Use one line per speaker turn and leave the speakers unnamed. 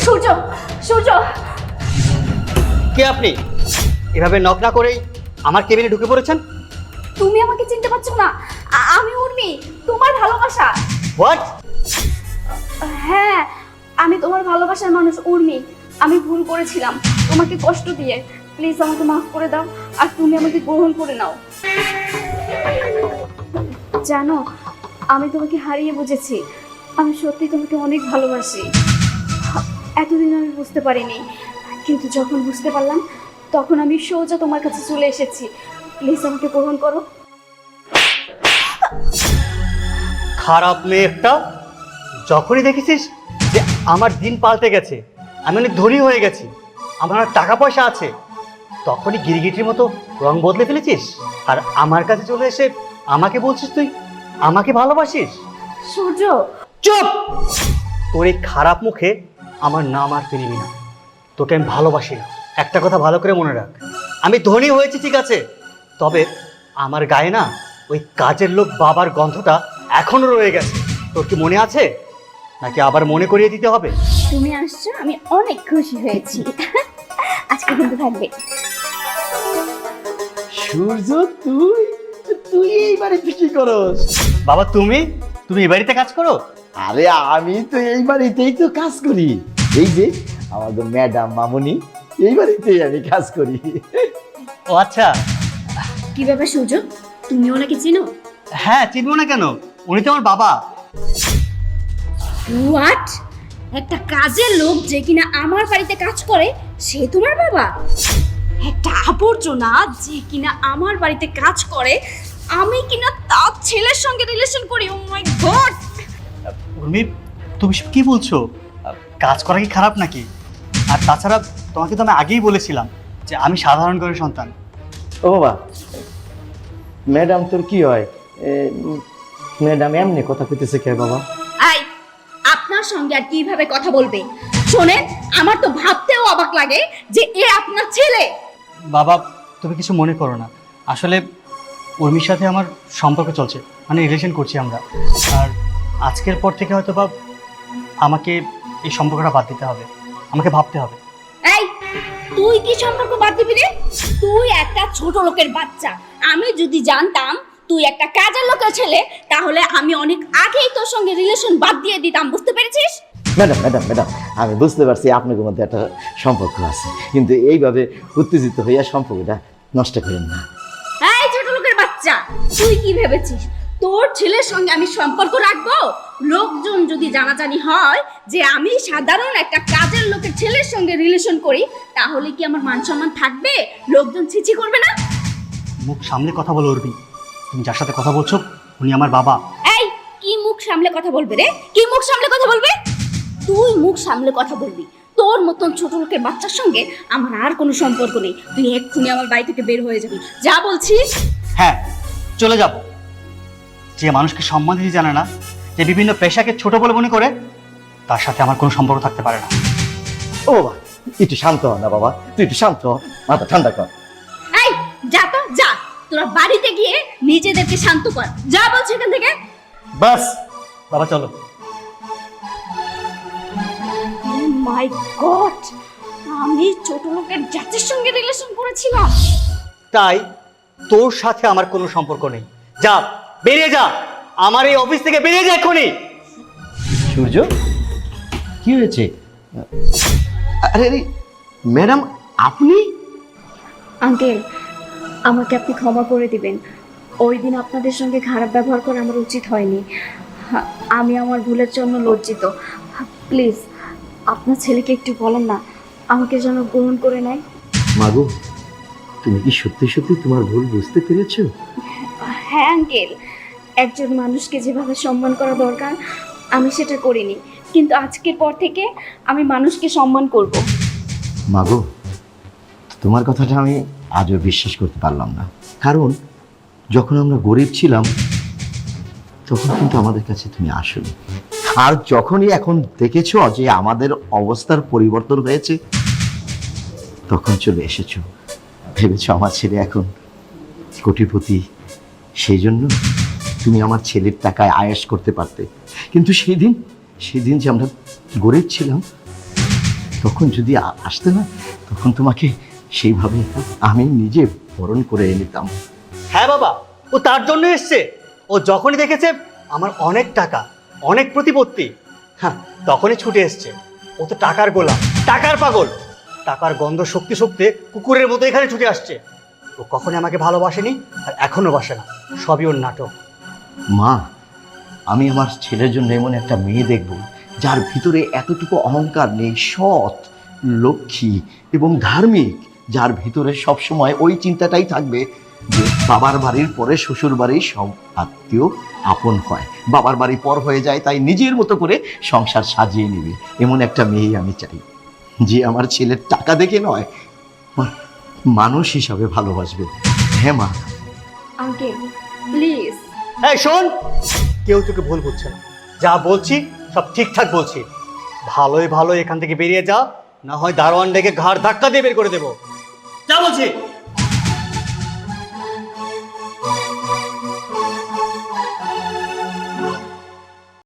সূর্য, সূর্য,
কে আপনি? এভাবে নক না করেই আমার কেবিনে ঢুকে পড়েছেন?
তুমি আমাকে চিনতে পারছো না? আমি উর্মি, তোমার ভালোবাসা।
হোয়াট?
হ্যাঁ, আমি তোমার ভালোবাসার মানুষ উর্মি। আমি ভুল করেছিলাম তোমাকে কষ্ট দিয়ে। প্লিজ আমাকে মাফ করে দাও, আর তুমি আমাকে গ্রহণ করে নাও। জানো, আমি তোমাকে হারিয়ে বুঝেছি। আমি সত্যি তোমাকে অনেক ভালোবাসি। এতদিন আমি বুঝতে পারিনি, কিন্তু যখন বুঝতে পারলাম তখন আমি সোজা তোমার কাছে চলে এসেছি। প্লিজ আমাকে গ্রহণ করো।
খারাপ মেয়ে একটা। যখনই দেখেছিস যে আমার দিন পাল্টে গেছে, আমি অনেক ধনী হয়ে গেছি, আমার অনেক টাকা পয়সা আছে, তখনই গিরগিটির মতো রং বদলে ফেলেছিস আর আমার কাছে চলে এসে আমাকে বলছিস তুই আমাকে ভালোবাসিস।
সূর্য,
চুপ! তোর এই খারাপ মুখে আমার নাম আর তুই নিবি না। তোকে আমি ভালোবাসি না। একটা কথা ভালো করে মনে রাখ, আমি ধনী হয়েছি ঠিক আছে, তবে আমার গায়ে না ওই কাজের লোক বাবার গন্ধটা এখনো রয়ে গেছে। তোর কি মনে আছে, নাকি আবার মনে করিয়ে দিতে হবে?
তুমি আসছো, আমি অনেক খুশি হয়েছি। আজকে কিন্তু থাকবে।
সূর্য, তুই তুই এই বাড়িতে কি করস?
বাবা তুমি তুমি এই বাড়িতে কাজ করো?
আরে আমি তো এই বাড়িতেই তো কাজ করি। এই যে আমাদের ম্যাডাম মামুনি, এই বাড়িতেই আমি কাজ করি।
ও আচ্ছা।
কি ব্যাপার সূর্য, তুমি ওনাকে চিনো?
হ্যাঁ, চিনবো না কেন, উনি তো আমার বাবা।
হোয়াট? একটা কাজের লোক যে কিনা আমার বাড়িতে কাজ করে, সে তোমার বাবা? একটা আবর্জনা যে কিনা আমার বাড়িতে কাজ করে, আমি কিনা তার ছেলের সঙ্গে রিলেশন করি? ও মাই গড!
উর্মি, তুমি সব কি বলছো? কাজ করা কি খারাপ নাকি? আর তাছাড়া তোমাকে তো আমি আগেই বলেছিলাম যে আমি সাধারণ ঘরের সন্তান।
ও বাবা, ম্যাডাম তোর কি হয়? ম্যাডাম এমনি কথা কইতেছে কে বাবা?
আই, আপনার সঙ্গে আর কিভাবে কথা বলবে? শোনেন, আমার তো ভাবতেও অবাক লাগে যে এ আপনার ছেলে।
বাবা তুমি কিছু মনে করো না, আসলে উর্মির সাথে আমার সম্পর্ক চলছে, মানে রিলেশন করছি আমরা। আর আজকের পর থেকে হয়তো বা আমাকে এই সম্পর্কটা বাদ দিতে হবে, আমাকে ভাবতে হবে।
এই, তুই কি সম্পর্ক বাদ দিবি রে? তুই একটা ছোট লোকের বাচ্চা। আমি যদি জানতাম তুই একটা কাজের লোকের ছেলে, তাহলে আমি অনেক আগেই তোর সঙ্গে রিলেশন বাদ দিয়ে দিতাম, বুঝতে পেরেছিস?
ম্যাডাম ম্যাডাম ম্যাডাম, আমি বুঝতে পারছি আপনাদের মধ্যে একটা সম্পর্ক আছে, কিন্তু এইভাবে উত্তেজিত হইয়া সম্পর্কটা নষ্ট করেন না।
এই ছোট লোকের বাচ্চা, তুই কি ভেবেছিস তোর ছেলের সঙ্গে আমি সম্পর্ক রাখবো? লোকজন যদি জানাজানি হয় যে আমি সাধারণ একটা কাজের লোকের ছেলের সঙ্গে রিলেশন করি, তাহলে কি আমার মান সম্মান থাকবে? লোকজন ছিছি করবে না?
মুখ সামনে কথা বলো উর্মি, তুমি যার সাথে কথা বলছো উনি আমার বাবা।
এই, কি মুখ সামলে কথা বলবে রে? কি মুখ সামলে কথা বলবে? তুই মুখ সামলে কথা বলবি। তোর মতন ছোট লোকের বাচ্চার সঙ্গে আমার আর কোনো সম্পর্ক নেই। তুই এক্ষুনি আমার বাড়ি থেকে বের হয়ে যাবি, যা বলছি।
হ্যাঁ, চলে যাব। যে মানুষকে সম্মান দিতে জানে না, যে বিভিন্ন পেশাকে ছোট বলে মনে করে, তার সাথে আমার কোনো সম্পর্ক থাকতে পারে না।
ও বাবা, একটু শান্ত হ না বাবা, তুই একটু শান্ত হ, মাথা ঠান্ডা কর।
এই, যা তো যা, তোরা বাড়িতে গিয়ে নিজেদেরকে শান্ত কর, যা বলছি এখান থেকে।
বাস বাবা চলো।
মাই গড, আমি ছোট লোকের জাতির সঙ্গে রিলেশন করেছিলাম।
তাই তোর সাথে আমার কোনো সম্পর্ক নেই, যা বেরিয়ে যা, আমার এই অফিস থেকে বেরিয়ে যা এক্ষুনি।
সূর্য, কি হয়েছে? আরে আরে ম্যাডাম, আপনি?
আঙ্কেল, আমাকে আপনি ক্ষমা করে দিবেন। ওই দিন আপনাদের সঙ্গে খারাপ ব্যবহার করা আমার উচিত হয়নি। আমি আমার ভুলের জন্য লজ্জিত। প্লিজ আপনার ছেলেকে একটু বলেন না, আমাকে যেন গ্রহণ করে নেয়।
মাগো, তুমি কি সত্যি সত্যি তোমার ভুল বুঝতে পেরেছো?
হ্যাঁ আঙ্কেল, একজন মানুষকে যেভাবে সম্মান করা দরকার আমি সেটা করিনি, কিন্তু আজকের পর থেকে আমি মানুষকে সম্মান করব।
মাগো, তোমার কথাটা আমি আজও বিশ্বাস করতে পারলাম না, কারণ যখন আমরা গরিব ছিলাম তখন কিন্তু আমাদের কাছে তুমি আসোনি, আর যখনই এখন দেখেছো যে আমাদের অবস্থার পরিবর্তন হয়েছে তখন চলে এসেছো, ভেবেছো আমার ছেলে এখন কোটিপতি, সেই জন্য তুমি আমার ছেলের টাকায় আয়েশ করতে পারতে। কিন্তু সেদিন যে আমরা গরিব ছিলাম তখন যদি আসতে না, তখন তোমাকে সেইভাবে আমি নিজে বরণ করে নিতাম।
হ্যাঁ বাবা, ও তার জন্য এসছে। ও যখনই দেখেছে আমার অনেক টাকা, অনেক প্রতিপত্তি, হ্যাঁ, তখনই ছুটে এসছে। ও তো টাকার গোলাম, টাকার পাগল। টাকার গন্ধ শক্তি শক্তি কুকুরের মতো এখানে ছুটে আসছে। ও কখনই আমাকে ভালোবাসেনি, আর এখনো বাসে না। সবই ওর নাটক।
মা, আমি আমার ছেলের জন্য এমন একটা মেয়ে দেখব যার ভিতরে এতটুকু অহংকার নেই, সৎ, লক্ষ্মী এবং ধার্মিক, যার ভিতরে সবসময় ওই চিন্তাটাই থাকবে যে বাবার বাড়ির পরে শ্বশুর বাড়ির সব আত্মীয় আপন হয়, বাবার বাড়ি পর হয়ে যায়, তাই নিজের মতো করে সংসার সাজিয়ে নেবে। এমন একটা মেয়ে আমি চাই, যে আমার ছেলের টাকা দেখে নয়, মানুষ হিসাবে ভালোবাসবে। হ্যাঁ মা।
Uncle please.
এই শোন, কেউ তোকে ভুল বুঝছে না। যা বলছি সব ঠিকঠাক বলছি। ভালোই ভালো এখান থেকে বেরিয়ে যা, না হয় দারোয়ান ডেকে ঘাড় ধাক্কা দিয়ে বের করে দেবো। যা বলছি।